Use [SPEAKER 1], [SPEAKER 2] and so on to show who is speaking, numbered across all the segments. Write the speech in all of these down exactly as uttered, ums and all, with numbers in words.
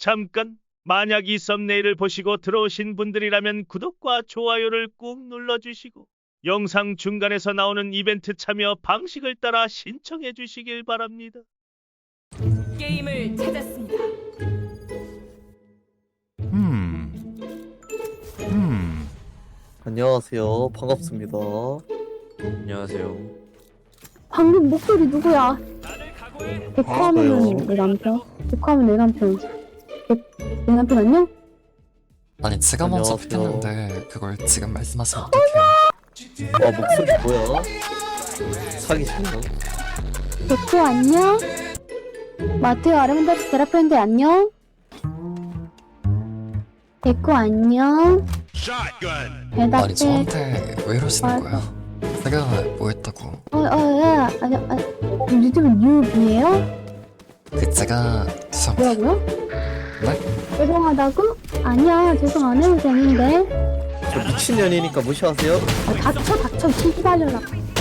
[SPEAKER 1] 잠깐, 만약 이 썸네일을 보시고 들어오신 분들이라면 구독과 좋아요를 꾹 눌러주시고 영상 중간에서 나오는 이벤트 참여 방식을 따라 신청해 주시길 바랍니다.
[SPEAKER 2] 게임을 찾았습니다.
[SPEAKER 3] 음. 음.
[SPEAKER 4] 안녕하세요. 반갑습니다.
[SPEAKER 5] 안녕하세요.
[SPEAKER 6] 방금 목소리 누구야? 백화하면은
[SPEAKER 4] 저요.
[SPEAKER 6] 내 남편? 백화하면 내 남편. 백, 내 남편 안녕?
[SPEAKER 3] 아니 제가 먼저
[SPEAKER 4] 안녕하세요.
[SPEAKER 3] 붙였는데 그걸 지금 말씀하시면 어떡해요?
[SPEAKER 4] 와, 목소리 뭐야? 사기시네요.
[SPEAKER 6] 백호 안녕? 마테오 아르멘다스 테라피언데 안녕? 백호 안녕?
[SPEAKER 3] 아니
[SPEAKER 6] 대답해.
[SPEAKER 3] 저한테 왜 이러시는
[SPEAKER 6] 아.
[SPEAKER 3] 거예요? 제가 뭐 했다고?
[SPEAKER 6] 어, 어, 야, 아니, 아니, 요즘은 뉴비예요?
[SPEAKER 3] 그 제가 죄송합니다.
[SPEAKER 6] 뭐라고요?
[SPEAKER 3] 네?
[SPEAKER 6] 죄송하다고? 아니야, 죄송 안 해도 되는데.
[SPEAKER 4] 저 미친년이니까 무시하세요.
[SPEAKER 6] 어, 닥쳐, 닥쳐, 시기발려라.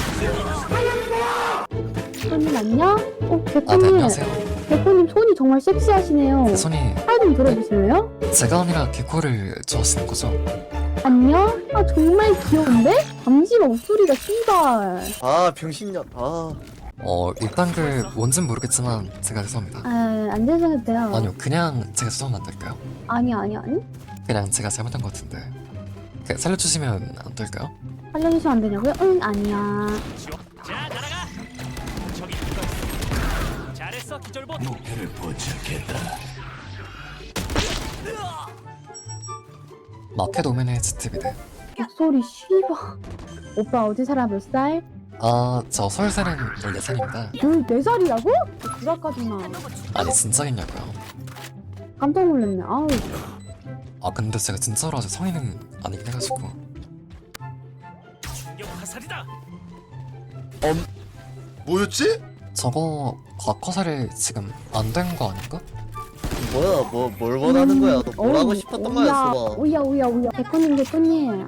[SPEAKER 6] 손님 안녕? 어,
[SPEAKER 3] 아 네
[SPEAKER 6] 백호님.
[SPEAKER 3] 안녕하세요.
[SPEAKER 6] 백호님 손이 정말 섹시하시네요.
[SPEAKER 3] 그 손이
[SPEAKER 6] 팔 좀 들어주실래요?
[SPEAKER 3] 제가 아니라 개코를 좋아하시는 거죠?
[SPEAKER 6] 안녕? 아 정말 귀여운데? 잠시만 목소리가 씨발.
[SPEAKER 4] 아, 병신년. 아,
[SPEAKER 3] 어 일단 그 뭔진 모르겠지만 제가 죄송합니다.
[SPEAKER 6] 아안 되셔도 돼요.
[SPEAKER 3] 아니요 그냥 제가 죄송하면 안 될까요?
[SPEAKER 6] 아니 아니 아니.
[SPEAKER 3] 그냥 제가 잘못한 것 같은데 그 살려주시면 안 될까요?
[SPEAKER 6] 살려주시면 안 되냐고요? 응 아니야.
[SPEAKER 1] 자, 날아가. 저기 누가 있어? 잘했어, 기절봇. 목표를
[SPEAKER 3] 마켓 오면의 지티비네.
[SPEAKER 6] 목소리 씨발. 오빠 어디 살아 몇 살?
[SPEAKER 3] 아저 서울 사는 열네 살입니다.
[SPEAKER 6] 열네 살이라고? 그럴까지나.
[SPEAKER 3] 아니 진짜겠냐고요?
[SPEAKER 6] 깜짝 놀랐네. 아우.
[SPEAKER 3] 아 근데 제가 진짜로 아직 성인은 아니긴 해가지고
[SPEAKER 1] 충격 화살이다.
[SPEAKER 5] 뭐였지?
[SPEAKER 3] 저거 과커사를 지금 안 된 거 아닌가?
[SPEAKER 4] 뭐야, 뭐, 뭘 원하는 거야? 너 뭘 하고 싶었던 거야,
[SPEAKER 6] 오야
[SPEAKER 4] 수바?
[SPEAKER 6] 오야 오야 오야. 백호님 백호님.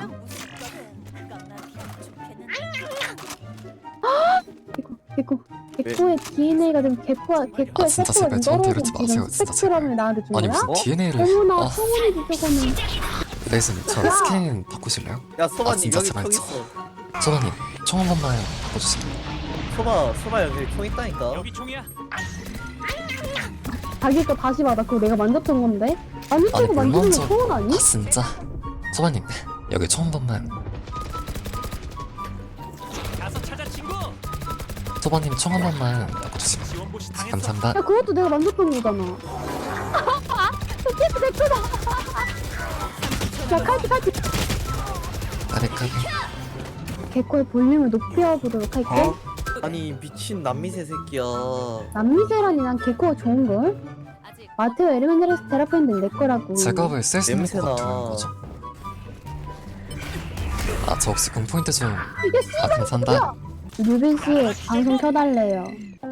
[SPEAKER 6] 개코 개코 개코의 디엔에이가 좀 개코와 개코의
[SPEAKER 3] 아, 진짜
[SPEAKER 6] 세포가
[SPEAKER 3] 제발
[SPEAKER 6] 좀
[SPEAKER 3] 저한테
[SPEAKER 6] 떨어진
[SPEAKER 3] 이러지 마세요,
[SPEAKER 6] 지금
[SPEAKER 3] 진짜
[SPEAKER 6] 스펙트럼을 나한테 준
[SPEAKER 3] 아니
[SPEAKER 6] 거야?
[SPEAKER 3] 무슨
[SPEAKER 4] 어?
[SPEAKER 3] 디엔에이를
[SPEAKER 6] 어머나
[SPEAKER 3] 아
[SPEAKER 6] 성훈이 저거는.
[SPEAKER 3] 레이슨 저 스킨 바꾸실래요?
[SPEAKER 4] 야,
[SPEAKER 3] 아,
[SPEAKER 4] 소바님
[SPEAKER 3] 진짜
[SPEAKER 4] 여기
[SPEAKER 3] 제발
[SPEAKER 4] 총
[SPEAKER 3] 저-
[SPEAKER 4] 있어.
[SPEAKER 3] 소바님 총 한 번만 바꿔주세요.
[SPEAKER 4] 소바, 소바 여기 총 있다니까.
[SPEAKER 1] 여기 총이야.
[SPEAKER 6] 자기 거 다시 받아. 그거 내가 만졌던 건데.
[SPEAKER 3] 아니
[SPEAKER 6] 만졌다고
[SPEAKER 3] 물
[SPEAKER 6] 만지는
[SPEAKER 3] 먼저
[SPEAKER 6] 거 소원 아니?
[SPEAKER 3] 아 진짜 소바님 여기 총 한 번만
[SPEAKER 1] 가서 찾아 친구.
[SPEAKER 3] 소바님 총 한 번만 바꿔주세요.
[SPEAKER 1] 지원봇이 당했어.
[SPEAKER 3] 감사합니다.
[SPEAKER 6] 야 그것도 내가 만졌던 거잖아. 캐스 백호다. 자 카드 카드.
[SPEAKER 3] 까비까비
[SPEAKER 6] 개코의 볼륨을 높여보도록 할게.
[SPEAKER 4] 어? 아니, 미친 남미새 새끼야.
[SPEAKER 6] 남미세라니 난 개코가 좋은걸? 마테오 에르멘데레스 테라피언드 내 거라고.
[SPEAKER 3] 제가 왜 쓸 수 있는 것
[SPEAKER 4] 냄새나.
[SPEAKER 3] 같은 거죠? 아 저 혹시 공포인트 좀
[SPEAKER 6] 야
[SPEAKER 3] 아 감사합니다.
[SPEAKER 6] 유빈 씨 방송 켜달래요.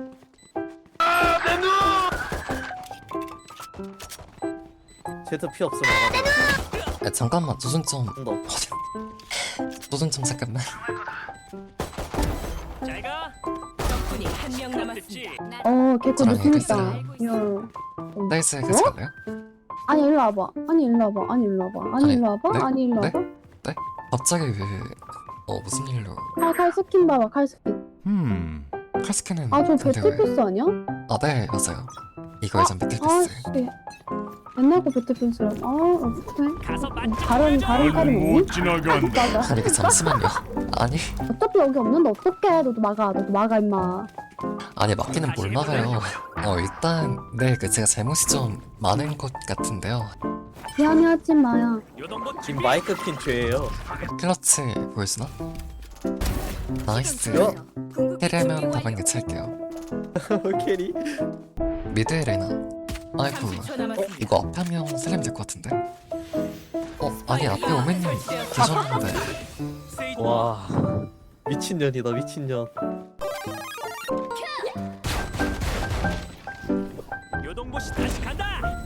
[SPEAKER 4] 쟤도 피 없어, 나가.
[SPEAKER 3] 아, 잠깐만 조준 좀
[SPEAKER 4] 너.
[SPEAKER 3] 조준 좀 잠깐만.
[SPEAKER 1] 잘 가.
[SPEAKER 2] 적군이 한 명 남았습니다.
[SPEAKER 1] 됐지.
[SPEAKER 6] 어 개코
[SPEAKER 3] 저랑
[SPEAKER 6] 느낌 있다.
[SPEAKER 3] 얘기했어요.
[SPEAKER 6] 야.
[SPEAKER 3] 나이스 같이 갈래요?
[SPEAKER 6] 아니 일로 와봐. 아니 일로 와봐. 아니 일로 와봐. 아니
[SPEAKER 3] 아니,
[SPEAKER 6] 일로 와봐.
[SPEAKER 3] 네?
[SPEAKER 6] 아니 일로
[SPEAKER 3] 네?
[SPEAKER 6] 와봐.
[SPEAKER 3] 갑자기 왜 어 무슨 일로
[SPEAKER 6] 칼, 칼 스킨 봐봐. 칼 스킨.
[SPEAKER 3] 음 칼스캔은
[SPEAKER 6] 아저
[SPEAKER 3] 상대가
[SPEAKER 6] 배틀피스 아니야?
[SPEAKER 3] 아네 맞아요. 이거 예전 배틀피스.
[SPEAKER 6] 아씨. 옛날 거 배틀피스라. 아 어떡해.
[SPEAKER 1] 가서 맞.
[SPEAKER 6] 다른 다른 칼이 없니? 맞아.
[SPEAKER 3] 아니 그 잠시만요. 아니
[SPEAKER 6] 어차피 여기 없는데 어떡해. 너도 막아. 너도 막아 임마.
[SPEAKER 3] 아니 막기는 뭘 막아요. 어 일단 네 그 제가 잘못이 좀 많은 것 같은데요.
[SPEAKER 6] 미안해하지 마요.
[SPEAKER 1] 요동봇
[SPEAKER 4] 지금 마이크 킨 죄예요.
[SPEAKER 3] 클러치 보여주나? 나이스.
[SPEAKER 4] 야.
[SPEAKER 3] 캐리하면 다방개 찰게요.
[SPEAKER 4] 캐리.
[SPEAKER 3] 미드에 레나. 아이고
[SPEAKER 2] 삼십 초 남았습니다.
[SPEAKER 3] 이거 앞에 한 명 살리면 될 것 같은데. 어 아니 앞에 오맨님 계셨는데.
[SPEAKER 4] 와, 미친년이다, 미친년.
[SPEAKER 1] 요동봇이 다시 간다.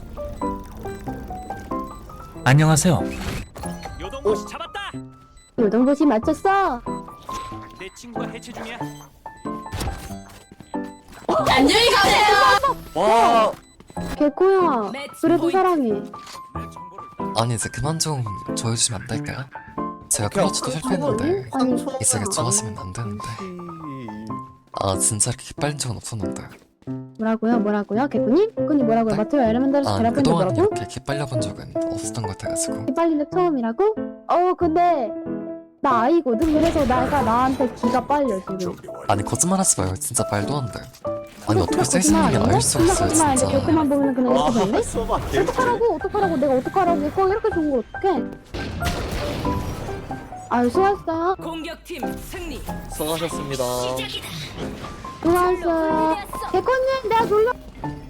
[SPEAKER 7] 안녕하세요.
[SPEAKER 1] 요동봇이 잡았다.
[SPEAKER 6] 요동보시 맞췄어.
[SPEAKER 1] 내 친구가 해체 중이야.
[SPEAKER 4] 와,
[SPEAKER 6] 개코야 그래도
[SPEAKER 2] 포인트.
[SPEAKER 6] 사랑해.
[SPEAKER 3] 아니 이제 그만 좀 조여주시면 안 될까요? 제가 클러치도 실패했는데
[SPEAKER 6] 아니
[SPEAKER 3] 이제 좋았으면 안 되는데. 아 진짜 이렇게 기빨린 적은 없었는데.
[SPEAKER 6] 뭐라고요 뭐라고요 개코님? 개코님 뭐라고요?
[SPEAKER 3] 네?
[SPEAKER 6] 마테오 에르멘데레스
[SPEAKER 3] 아
[SPEAKER 6] 테라포인트
[SPEAKER 3] 그동안
[SPEAKER 6] 뭐라고?
[SPEAKER 3] 이렇게 기빨려본 적은 없었던 것 같아가지고.
[SPEAKER 6] 빨리는 처음이라고? 어 근데 나 아이거든. 그래서 내가 나한테 기가 빨려 지금.
[SPEAKER 3] 아니 거짓말하지 마요. 진짜 말도 안 돼. 아니
[SPEAKER 6] 근데
[SPEAKER 3] 어떻게
[SPEAKER 6] 진짜
[SPEAKER 3] 세시는 게
[SPEAKER 6] 거짓말
[SPEAKER 3] 나을 수가
[SPEAKER 6] 아니야?
[SPEAKER 3] 있어요
[SPEAKER 6] 진짜 거짓말 아닌데
[SPEAKER 3] 진짜.
[SPEAKER 6] 개코만 보면 그냥 이렇게 되는데?
[SPEAKER 4] 써봐 개.
[SPEAKER 6] 어떡하라고 어떡하라고 내가 어떡하라고 개코 이렇게 좋은 걸 어떡해? 아유 수고했어요.
[SPEAKER 2] 공격팀 승리.
[SPEAKER 4] 수고하셨습니다.
[SPEAKER 6] 수고했어요. 개코님 내가 놀러